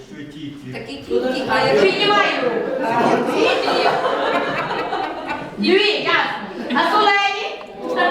Якщо і ті, і ті. Такі ті, а як Піднімай руку. Дві, ясно. А солені?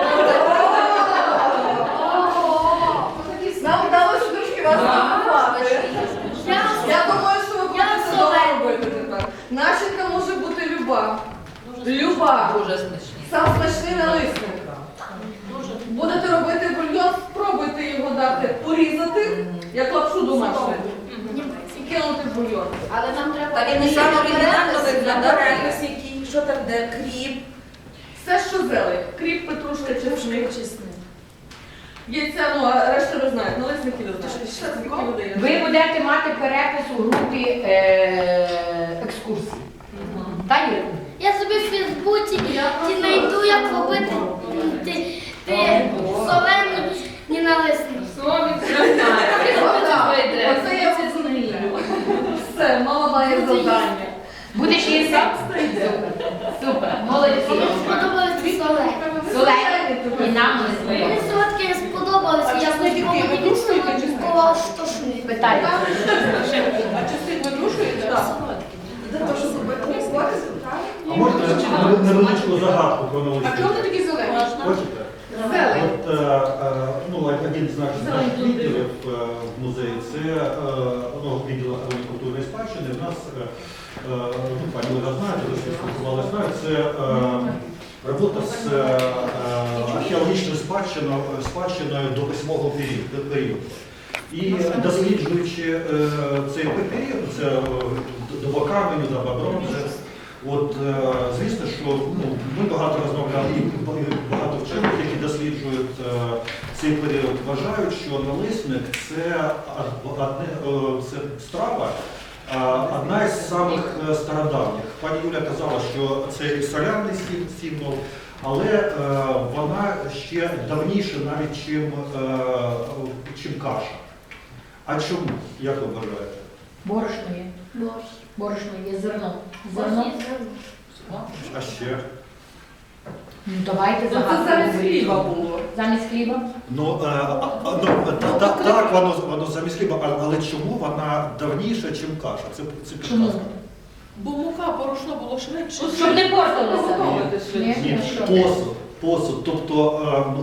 Нам вдалося трошки вас запахати. Я думаю, що ви будете добре робити тепер. Начинка може бути люба. Люба. дуже смачні. Сам смачний налисник. Будете робити бульйон, спробуйте його дати, порізати, як лапшу домашню. І кинути в бульйон. Але нам треба... Та він не сам оригінально виглядає. Що там, де кріп? Все, що зелень. Кріп, петрушка, чесник. Яйця, ну а решта ви знаєте, налисники ви знаєте. Що це таке буде? Ви будете мати перепис у групі екскурсій. Так, Юрій? Я собі в Фейсбуці знайду, як робити солені налисник. Оце я розумію. Все, мама має завдання. Будеш їсти? Супер. Молодці. Мені сподобалися солені. Солені і нам Мені листи. солодкі сподобалися, я мені солодкого штошую. Питайте. А частин винушуєте? Так. А можна невеличку загадку про налисники? А чого вони такі зелені? Хочете? Зелень. От, один з наших відділів в музеї, це відділ охорони культурної спадщини. У нас, пані Олега знаєте, ви спілкувалися, це робота з археологічною спадщиною до 8-го періоду. І досліджуючи цей період, це доба каменю, доба бронзи, от, звісно, що ми багато розмовляли, і багато вчених, які досліджують цей період, вважають, що налисник це страва, одна із самих стародавніх. Пані Юля казала, що це і солярний символ, але вона ще давніша навіть, чим каша. А чому? Як ви вважаєте? Борошно є. Борошно є, зерно. Зерно. А ще? Ну, давайте Це загадку. замість хліба було. Замість хліба? Так, воно замість хліба, але чому вона давніша, ніж каша? Це Чому? підказка. Бо мука, борошно було швидше. Щоб не портилося. Ні? Ні, посуд. Тобто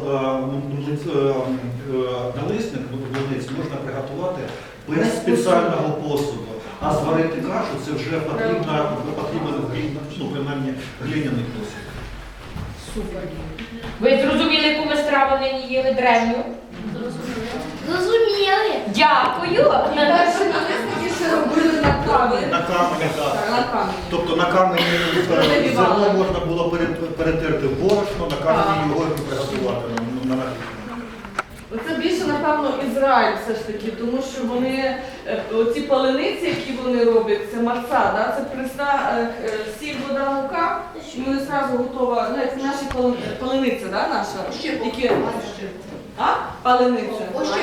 налисник, млинець можна приготувати без спеціального посуду. А зварити кашу це вже потрібен принаймні глиняний посуд. Супер. Ви зрозуміли, яку ми страву нині їли древню? Зрозуміли? Дякую. І перші налисники ще робили на камені. На камені, так. Так, на камені. Тобто на камені зерно можна було перетерти в борошно, на камені його і приготувати на нагрів. Це більше, напевно, Ізраїль все ж таки, тому що вони, оці палениці, які вони роблять, це марца, да? Це пресна сіль, вода, мука, і вони одразу готова, ну, як наші палениця, да, наша? Які... А? Палениця.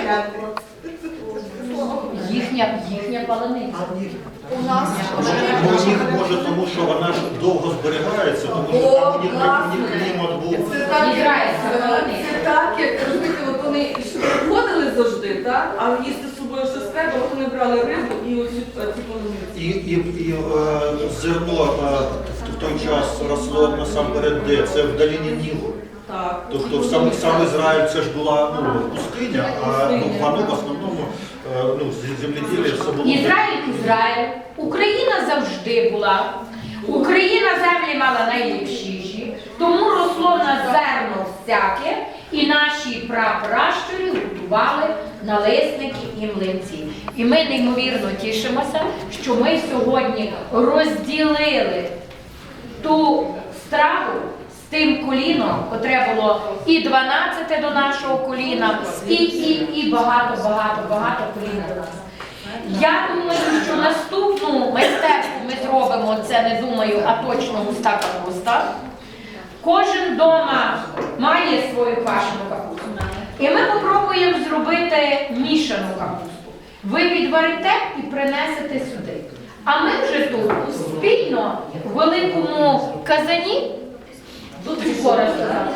Їхня палениця. У нас У них може, тому що вона ж довго зберігається, тому що там у них клімат був. Це так, Ізраїльська палениця. це так, як розумієте, от вони ходили завжди, так? А їсти з собою щось треба, от вони брали рибу і оці палениці. І зерно в той час росло насамперед де? Це в долині Нілу. Так. Тобто сам Ізраїль це ж була пустиня, а воно в основному земледілля все було. Ізраїль. Україна завжди була. Україна землі мала найліпшіші, тому росло на зерно всяке, і наші прапращурі готували налисники і млинці. І ми неймовірно тішимося, що ми сьогодні розділили ту страву з тим коліном, котре було і 12 до нашого коліна, і багато колін до нас. Я думаю, що наступну майстерку ми зробимо, це не думаю, а точно густа капуста. Кожен вдома має свою квашену капусту. І ми спробуємо зробити мішану капусту. Ви відварите і принесете сюди. А ми вже тут спільно в великому казані, тут скоро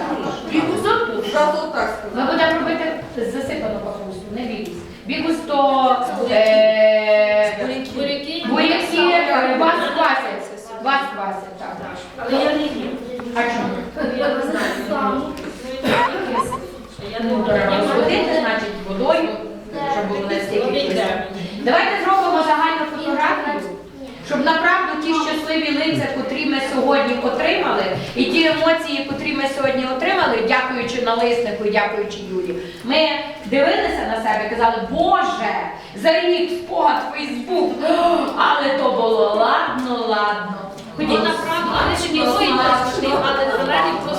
ми будемо робити засипану капусту, не бійтесь. Бігус то Вас квасять. Вас квасять, так. Але я не їм. А чому? Я не знаю. Я Ну, треба розводити, значить, водою, щоб було настільки чисто. Давайте зробимо загальну фотографію, щоб направду ті щасливі лиця, котрі ми сьогодні отримали, і ті емоції, котрі ми сьогодні отримали, дякуючи налиснику і дякуючи Юлі, ми дивилися на себе і казали, Боже, за рік спогад Фейсбук, але то було ладно. Ходіть направду, але ще ніхто і не але зелені просто